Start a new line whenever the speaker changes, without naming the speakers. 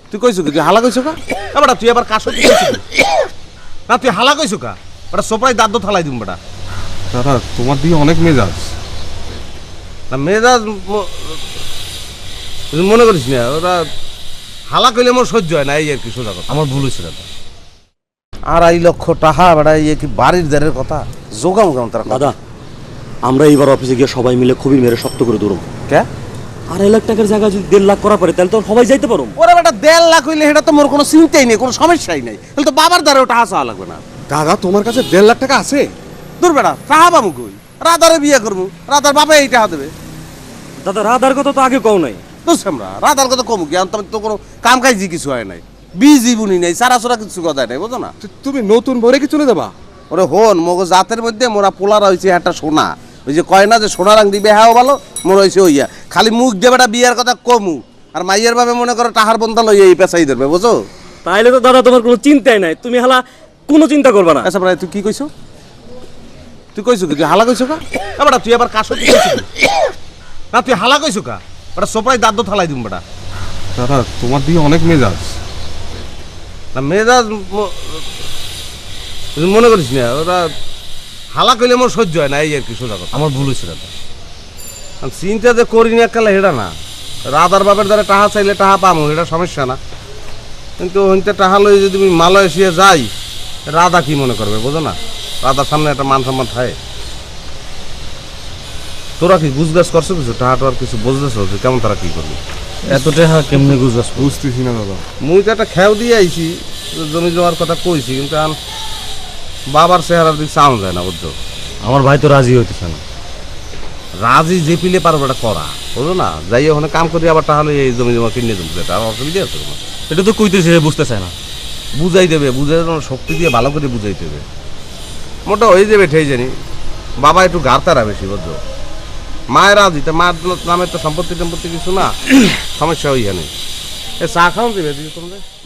তুই কইছো কি? তুই হালা কইছো কা? বেটা তুই আবার কাশো তুই কইছো কি? না তুই হালা কইছো কা? বেটা সোপড়াই দাঁত থালাই দিম বেটা।
দাদা তোমার দিকে অনেক মেজাজ।
না মেজাজ তুই মনে করিস না, ওরা হালা কইলে মোর সহ্য হয় না, এই আর কি সোজা কথা।
আমার ভুল হয়েছে দাদা।
2.5 লক্ষ টাকা বেটা, ইয়ে কি বাড়ির দ্বারের কথা? জোগাম কেমন তারা?
দাদা আমরা এইবার অফিসে গিয়ে সবাই মিলে খুবই মেরে শক্ত করে দৌড়ব।
কে?
2.5 লাখ টাকার জায়গা যদি 1.5 লাখ করা পারে তাহলে তো সবাই যাইতে পারো।
ওরা বেটা 1.5 লাখ হইলে সেটা তো মোর কোনো চিন্তাই নেই, কোনো সমস্যাই নেই। তাহলে তো বাবার দ্বারা ওটা হাসা লাগবে না।
দাদা তোমার কাছে 1.5 লাখ টাকা আছে?
দূর বেটা, টাহা পামু কই? রাধারে বিয়ে করবো, রাধার বাবা এই টাহা দেবে।
দাদা রাধার কথা তো আগে কও নাই।
বুঝছি আমরা, রাধার কথা কমু কি? আমি তো কোনো কাম কাজই কিছু হয় নাই, বিজি বুনি নাই, সারাসোরা কিছু কথা নাই, বুঝো না?
তুমি নতুন বরে কি চলে যাবা?
ওরে হন, মগো জাতের মধ্যে মোরা পোলারা হয়েছে একটা সোনা। ওই যে কয় না যে সোনা রাং দিবে, হ্যাঁ ভালো, মোর হয়েছে ওইয়া। খালি মুখ দিয়ে বেটা বিয়ের কথা কমু, আর মাইয়ের ভাবে মনে করো টাহার বন্ধা লইয়া এই পেশাই ধরবে, বুঝো?
তাইলে তো দাদা তোমার কোনো চিন্তাই নাই, তুমি হালা কোনো চিন্তা করবে না।
আচ্ছা ভাই তুই কি কইছো? তুই কইছো কি? তুই হালা কইছো কা? বেটা তুই আবার কাশো তুই কইছো কি? না তুই হালা কইছো কা? বেটা সোপড়াই দাঁত থালাই দিম বেটা।
দাদা তোমার দিকে অনেক মেজাজ।
না মেজাজ তুই মনে করিস না, ওরা হালা কইলে মোর সহ্য হয় না, এই আর কি সোজা কথা।
আমার ভুল হয়েছে দাদা।
আমি চিন্তা যে করি না কালে হেটা না, রাধার বাপের দ্বারা টাহা চাইলে টাহা পামো, এটা সমস্যা না। কিন্তু হইতে টাহা লই যদি আমি মালয়েশিয়া যাই, রাধা কি মনে করবে, বোঝো না? রাধার সামনে একটা মান সম্মান থাকে। তোরা কি গুজগাছ করছো কিছু? টাহা টোয়ার কিছু বুঝতেছো যে কেমন তারা কি করবে?
এত টাকা কেমনে গুজবাস?
বুঝতেছি না দাদা।
মুই তো একটা খেয়াও দিয়ে আইছি, জমি জমার কথা কইছি, কিন্তু এখন বাবার চেহারার দিক চাওয়া যায় না, বুঝছো?
আমার ভাই তো রাজি হইতেছে না।
রাজি যে পিলে পারবো এটা করা, বুঝো না? যাই ওখানে কাম করি, আবার তাহলে এই জমি জমা কিনে দেবো, এটা আর অসুবিধা আছে তোমার?
এটা তো কইতেছে বুঝতে চায় না।
বুঝাই দেবে, বুঝাই শক্তি দিয়ে ভালো করে বুঝাই দেবে, মোটা হয়ে যাবে ঠেই জানি। বাবা একটু গাড়তারা বেশি, বুঝছো? মায়ের রাজি, তা মায়ের নামে তো সম্পত্তি টম্পত্তি কিছু না, সমস্যা ওইখানে। এ চা খাওয়া দেবে দিদি তোমরা?